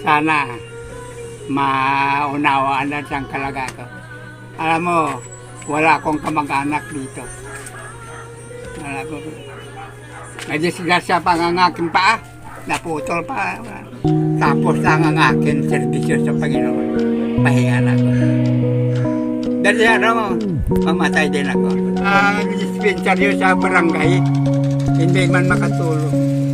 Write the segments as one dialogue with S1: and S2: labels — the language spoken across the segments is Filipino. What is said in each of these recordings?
S1: sana maunawaan na siyang kalagayan ko. Alam mo, wala akong kamag-anak dito. Wala ko. Nadisgrasya pa ang aking paa. Naputol pa. Tapos lang ang aking servisyo sa Panginoon. Pahinga na ako. Dahil ano, mamatay din ako. Ang dispensaryo sa barangay, hindi man makatulong.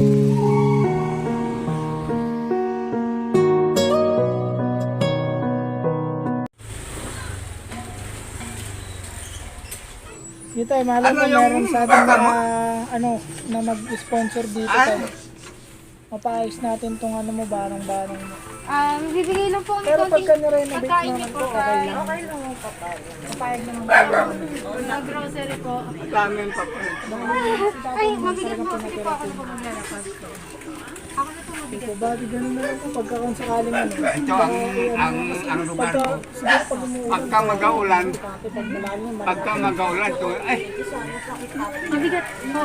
S2: Dito ay mahal
S1: Ano
S2: ko
S1: yung
S2: meron sa atin
S1: baka
S2: na na mag-sponsor dito tayo. Mapaayos natin tong ano mo, barang-barang mo.
S3: Bibigay lang po
S2: Pero
S3: konting
S2: pagka nirenovate
S3: pagkain
S2: naman
S3: niyo
S2: po,
S3: po
S2: okay
S3: kay
S2: lang. Okay lang ang papayag. Papayag naman tayo.
S3: sa grocery po.
S1: Daming pa po.
S3: Ay, mabigat mo. Sige po, ako na po maglalakad. Ako na po mabigat.
S2: Ito ba, ganun na lang po pagka kung sakaling ano.
S1: Ito ang lugar
S2: Pagka,
S1: ko.
S2: siguro pag umuulan.
S1: Pagka mag-aulan,
S2: Pag malalim,
S1: pagka mag-aulan, ay,
S3: Mabigat po.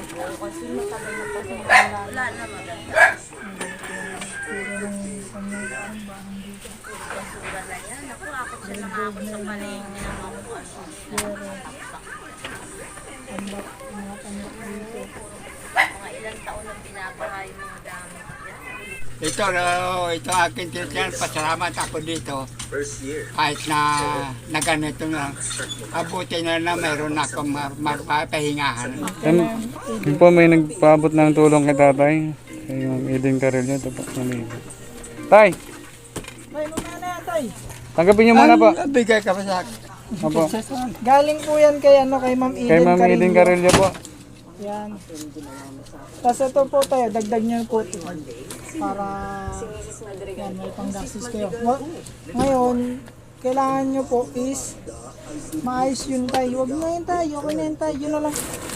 S3: ito aking tiniyan, pasalamat ako dito. Kahit na ganito na, abuti na mayroon akong mapapahingahan.
S4: Yun po may nagpaabot ng tulong kay tatay. Kay Ma'am Eden Carrillo. Ito po. Tay,
S2: Tay, mamaya na yan, tay.
S4: tanggapin niyo muna po.
S1: Bigay ka pa sa akin.
S4: Opo.
S2: Galing po yan kay Ma'am Eden
S4: Kay Ma'am Eden Carrillo po.
S2: Yan. Tapos ito po tayo, dagdag niyo po ito. Para yan, may panggasis kayo. Ngayon, kailangan nyo po is maayos yun tayo. Huwag na yun tayo, okay na yun tayo. Yun na lang.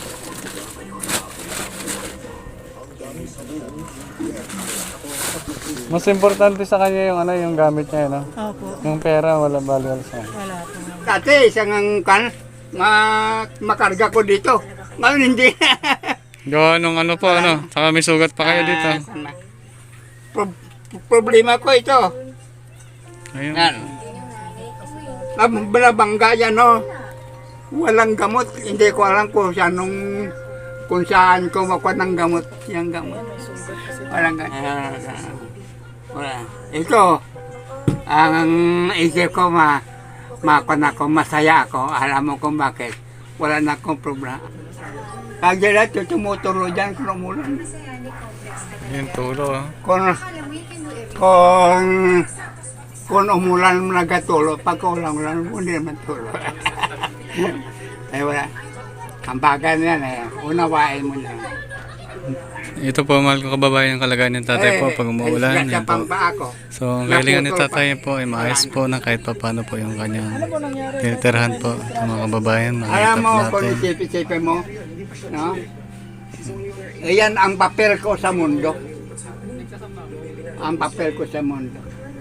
S4: Mas importante sa kanya yung ano, yung gamit niya, no?
S2: Opo,
S4: Yung pera wala value sa kanya.
S2: wala po.
S1: Dati, isang makarga ko dito. Ngayon hindi.
S4: Gawa nung ano po, ano? Saka may sugat pa kayo dito.
S1: Problema ko ito.
S4: Ayun.
S1: Yan. Balabangga yan, no? Walang gamot. Hindi ko alam kung saan ko makuha ng gamot. Yung gamot. Walang gamot. Wala. Ito, ang isip ko makuha na ko, masaya ako. Alam mo kung bakit. Wala na akong problema. Pag dyan, tumuturo dyan kung umulan.
S4: Yung tulo, ah.
S1: Kung umulan mo nagatulo, pag ulan hindi naman tulo. Ay wala. Ang bagay na yan unawain mo na.
S4: Ito po, mahal ko kababayan yung kalagayan ng tatay po pag umuulan. Yan po.
S1: Ako.
S4: So, ang kailangan ni tatay po ay maayos po na kahit pa paano po yung kanyang
S2: Ano po nangyari?
S4: tinitirhan po sa mga kababayan.
S1: Alam
S4: Makita
S1: mo
S4: po
S1: kung
S4: natin.
S1: isipin mo, no? Iyan ang papel ko sa mundo. Ang papel ko sa mundo.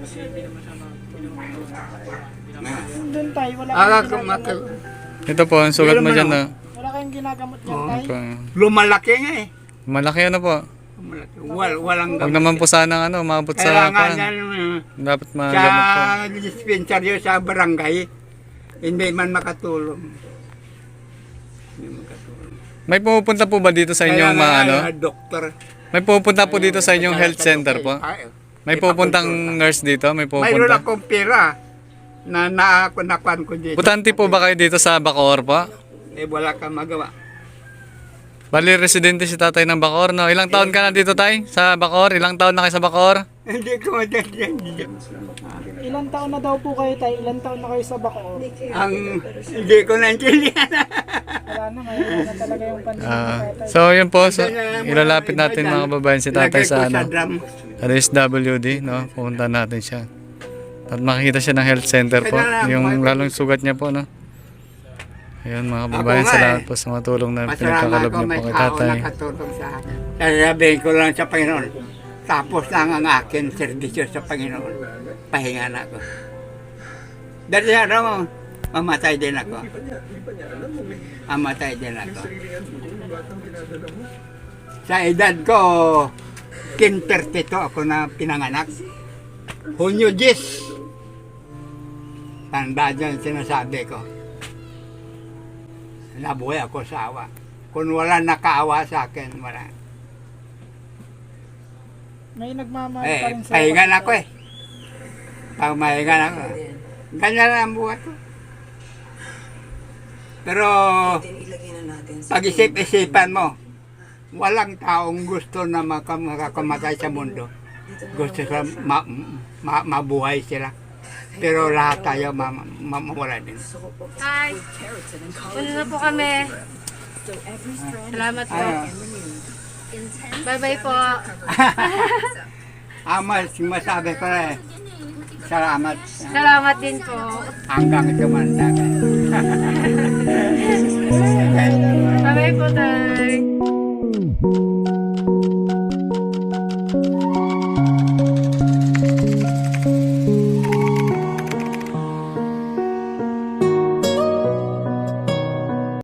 S2: Doon tayo, wala kayong ginagamot.
S4: Ito po, ang sugat mo dyan, no?
S2: Wala kayong ginagamot dyan tayo.
S4: Ito,
S1: Lumalaki nga eh.
S4: malaki ano po.
S1: Lumalaki. Walang
S4: Huwag
S1: gamot.
S4: naman po sanang ano, maabot sa
S1: Kailangan
S4: pan.
S1: yan,
S4: Dapat magamot po.
S1: sa dispensaryo sa barangay, hindi man makatulong. Hindi makatulong.
S4: May pumupunta po ba dito sa inyong mga ano?
S1: Doktor.
S4: May pupunta po dito sa inyong health center po? May pupuntang nurse dito? May
S1: Mayroon
S4: pupunta?
S1: akong pera na nakunakuan ko dito.
S4: Butante po ba kayo dito sa Bacoor po?
S1: Eh wala kang magawa.
S4: Bali, residente si tatay ng Bacoor, no? Ilang taon ka na dito, tay? Sa Bacoor? Ilang taon na kayo sa Bacoor?
S1: Hindi ko madadyan.
S2: Ilang taon na daw po kayo tayo? Ilang taon na kayo sa Bacoor?
S1: Hindi ko naintindihan.
S2: Wala na, ngayon na talaga yung pandemya tayo.
S4: So, yun po. So, ilalapit natin mga kababayan si tatay sa ano? RSWD, no? Pupunta natin siya. At makikita siya ng health center po. Yung lalong sugat niya po, no? Ayun mga kababayan, salamat po sa mga tulong na pinagkakalob niyo po kay tatay.
S1: Nakatulong sa akin. Sasabihin ko lang sa Panginoon, tapos lang ang akin servisyo sa Panginoon. Pahinga na ako. Dahil ano, mamatay din ako. Mamatay din ako. Sa edad ko, 32 ako na pinanganak. Hunyo 10. Tandaan nyo yung sinasabi ko. Nabuhay ako sa awa. Kung wala nakaawa sa akin, wala.
S2: May nagmamahal pa rin sa
S1: Pahingan ako eh. Pag mahingan ako, ganyan lang ang buhay ko. Pero, pag-isip-isipan mo, walang taong gusto na makakamatay sa mundo. Gusto sila mabuhay sila. Pero lahat tayo mawala din.
S5: Hi! Una na po kami. Salamat po. Bye-bye po.
S1: Masabi ko eh, salamat.
S5: Salamat din po.
S1: Hanggang tumanda ka.
S5: Bye-bye po, Tay.